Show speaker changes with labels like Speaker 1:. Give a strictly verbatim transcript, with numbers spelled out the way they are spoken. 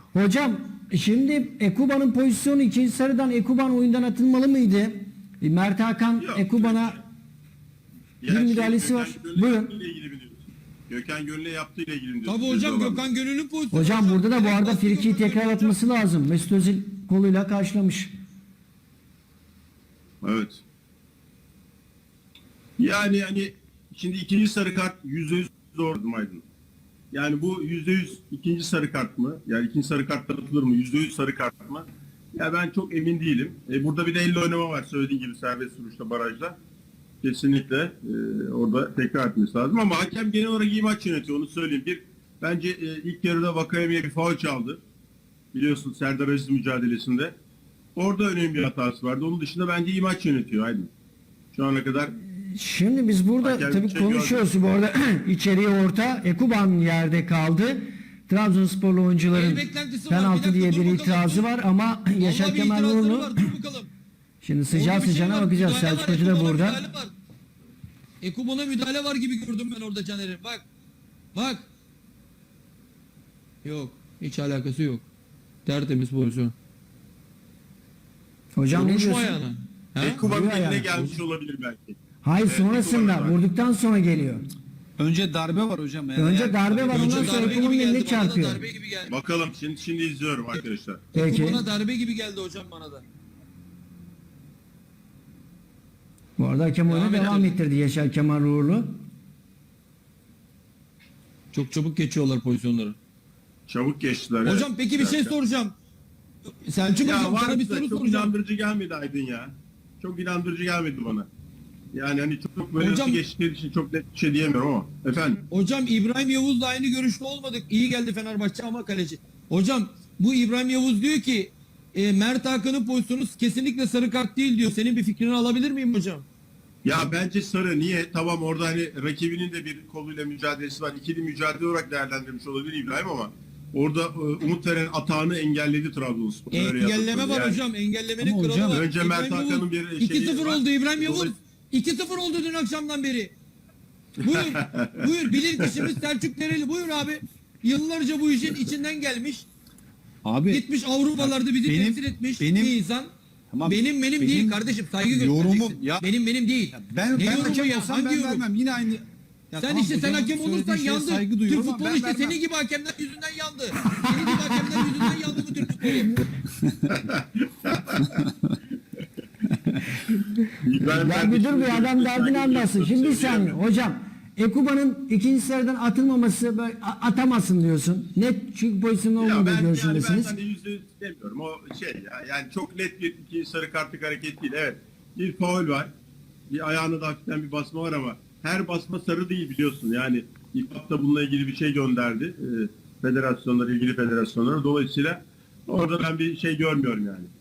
Speaker 1: Hocam şimdi Ekuba'nın pozisyonu ikinci sarıdan Ekuban oyundan atılmalı mıydı? E, Mert Hakan
Speaker 2: Yok.
Speaker 1: Ekuban'a bir
Speaker 2: Ya
Speaker 1: müdahalesi
Speaker 2: şey,
Speaker 1: var.
Speaker 2: Gökhan Gönül'le
Speaker 1: Buyurun.
Speaker 2: yaptığıyla ilgili mi diyorsun? Gökhan Gönül'le yaptığıyla ilgili mi diyorsun?
Speaker 3: Tabii hocam,
Speaker 2: Ceza var.
Speaker 3: Gökhan Gönül'ün pozisyonu.
Speaker 1: Hocam burada da bu
Speaker 3: Direkt
Speaker 1: arada
Speaker 3: bastı
Speaker 1: frikiyi
Speaker 3: Gökhan
Speaker 1: tekrar
Speaker 3: Gönül
Speaker 1: atması lazım. Mesut Özil koluyla karşılamış.
Speaker 2: Evet. Yani hani şimdi ikinci sarı kart yüzde yüz doğru Aydın. Yani bu yüzde yüz ikinci sarı kart mı? Yani ikinci sarı kart atılır mı? Yüzde yüz sarı kart mı? Ya ben çok emin değilim. E, burada bir de elle oynama var söylediğin gibi serbest vuruşta barajda. Kesinlikle e, orada tekrar etmesi lazım ama hakem genel olarak iyi maç yönetiyor onu söyleyeyim. Bir bence e, ilk yarıda Vakayemi'ye bir faul çaldı. Biliyorsun Serdar Aziz mücadelesinde. Orada önemli bir hatası vardı. Onun dışında bence iyi maç yönetiyor Aydın. Şu ana kadar
Speaker 1: Şimdi biz burada
Speaker 2: Hakem
Speaker 1: tabii
Speaker 2: şey
Speaker 1: konuşuyoruz. Bu arada içeriye orta Ekuban yerde kaldı. Trabzonsporlu oyuncuların
Speaker 3: El beklentisi var.
Speaker 1: penaltı
Speaker 3: Bir
Speaker 1: diye
Speaker 3: dakika,
Speaker 1: bir
Speaker 3: dur
Speaker 1: itirazı
Speaker 3: bakalım.
Speaker 1: var ama Yaşar
Speaker 3: Vallahi bir
Speaker 1: Kemal
Speaker 3: itirazları
Speaker 1: Uğurlu
Speaker 3: var, dur bakalım.
Speaker 1: şimdi sıcağı
Speaker 3: Orada bir şey
Speaker 1: sıcağına
Speaker 3: var,
Speaker 1: bakacağız.
Speaker 3: müdahale
Speaker 1: Selçuk
Speaker 3: var,
Speaker 1: Hoca da
Speaker 3: Ekuban'a
Speaker 1: burada.
Speaker 3: müdahale var. Ekuban'a müdahale var gibi gördüm ben orada Caner'im. Bak. Bak. Yok. Hiç alakası yok. Tertemiz pozisyon.
Speaker 1: Hocam ne
Speaker 3: Vurmuş mu
Speaker 1: diyorsun?
Speaker 3: ayağına? Ha?
Speaker 2: Ekuba'nın
Speaker 1: Vuruyor
Speaker 2: eline
Speaker 1: yani.
Speaker 2: gelmiş olabilir belki.
Speaker 1: Hayır
Speaker 2: Evet,
Speaker 1: sonrasında
Speaker 2: Ekuban'ın var.
Speaker 1: vurduktan sonra geliyor.
Speaker 4: Önce darbe var hocam. Yani
Speaker 1: Önce
Speaker 4: eğer-
Speaker 1: darbe var,
Speaker 3: Önce
Speaker 1: ondan sonra
Speaker 3: darbe
Speaker 1: Ekuban'ın
Speaker 3: gibi
Speaker 1: eline
Speaker 3: geldi. Bana da
Speaker 1: çarpıyor.
Speaker 3: darbe gibi geldi.
Speaker 2: Bakalım şimdi şimdi izliyorum arkadaşlar.
Speaker 1: Peki.
Speaker 3: Ekuban'a darbe gibi geldi hocam bana da.
Speaker 1: Bu arada hakem oyunu
Speaker 3: Devam
Speaker 1: devam
Speaker 3: edelim.
Speaker 1: ettirdi Yaşar Kemal Uğurlu.
Speaker 3: Çok çabuk geçiyorlar pozisyonları.
Speaker 2: Çabuk geçtiler.
Speaker 3: Hocam
Speaker 2: evet.
Speaker 3: peki bir şey
Speaker 2: Evet.
Speaker 3: soracağım. Selçuk
Speaker 2: Ya
Speaker 3: hocam sana
Speaker 2: var
Speaker 3: bir
Speaker 2: da
Speaker 3: soru
Speaker 2: çok
Speaker 3: soracağım.
Speaker 2: inandırıcı gelmedi Aydın ya. Çok inandırıcı gelmedi bana. Yani hani çok böyle
Speaker 3: Hocam-
Speaker 2: nasıl geçtikleri için çok net bir şey diyemiyorum ama. Efendim.
Speaker 3: Hocam İbrahim Yavuz'la aynı görüşte olmadık. İyi geldi Fenerbahçe ama kaleci. Hocam bu İbrahim Yavuz diyor ki e, Mert Hakan'ın pozisyonu kesinlikle sarı kart değil diyor. Senin bir fikrini alabilir miyim hocam?
Speaker 2: Ya bence sarı niye? Tamam orada hani rakibinin de bir koluyla mücadelesi var. İkili mücadele olarak değerlendirmiş olabilir İbrahim ama orada e, umut veren atağını engelledi Trabzonspor. Öyle
Speaker 3: Engelleme
Speaker 2: yaptı.
Speaker 3: var
Speaker 2: Yani
Speaker 3: hocam. Engellemenin
Speaker 4: Ama
Speaker 3: kralı
Speaker 4: hocam,
Speaker 3: var.
Speaker 2: önce Mert
Speaker 3: İbrahim
Speaker 2: Hakan'ın
Speaker 3: Yavuz,
Speaker 2: bir şeyi
Speaker 3: iki sıfır
Speaker 2: var.
Speaker 3: oldu İbrahim Yavuz.
Speaker 2: Dolayı-
Speaker 3: iki sıfır oldu dün akşamdan beri. Buyur. Buyur. Bilir kişimiz Selçuk Dereli. Buyur abi. Yıllarca bu işin içinden gelmiş.
Speaker 4: Abi
Speaker 3: Gitmiş Avrupalarda bizi
Speaker 4: benim-
Speaker 3: temsil etmiş
Speaker 4: benim-
Speaker 3: bir insan.
Speaker 4: Tamam,
Speaker 3: benim benim
Speaker 4: benim
Speaker 3: değil kardeşim, saygı
Speaker 4: yorumum-
Speaker 3: göstereceksin.
Speaker 4: ya-
Speaker 3: benim benim değil.
Speaker 4: ben
Speaker 3: Ne
Speaker 4: ben
Speaker 3: yorumu
Speaker 4: hakem
Speaker 3: ya?
Speaker 4: olsam
Speaker 3: Hangi
Speaker 4: ben
Speaker 3: yorum?
Speaker 4: vermem. Yine aynı. Ya
Speaker 3: Sen
Speaker 4: tamam,
Speaker 3: işte sen
Speaker 4: hocamın
Speaker 3: hakem olursan
Speaker 4: söylediği şeye
Speaker 3: yandı.
Speaker 4: saygı
Speaker 3: Türk
Speaker 4: duyuyorum ama
Speaker 3: futbolu
Speaker 4: ben
Speaker 3: işte
Speaker 4: vermem.
Speaker 3: senin gibi hakemler yüzünden yandı. Senin gibi hakemler yüzünden yandı bu Türk futbolu.
Speaker 2: İbrahim
Speaker 1: Ya bir dur bir adam derdini anlatsın. Şimdi bir saniye hocam Ekuba'nın ikinci sıradan atılmaması böyle a- atamasın diyorsun. Net çünkü pozisyonda
Speaker 2: Ya
Speaker 1: olmadığı
Speaker 2: ben, yani ben
Speaker 1: görüşündesiniz.
Speaker 2: hani yüzde yüz demiyorum. O şey ya yani çok net bir iki sarı kartlık hareket değil. Evet. Bir faul var. Bir ayağına da hafiften bir basma var ama her basma sarı değil biliyorsun. Yani İFAB da bununla ilgili bir şey gönderdi. E, federasyonlara, ilgili federasyonlara. Dolayısıyla orada ben bir şey görmüyorum yani.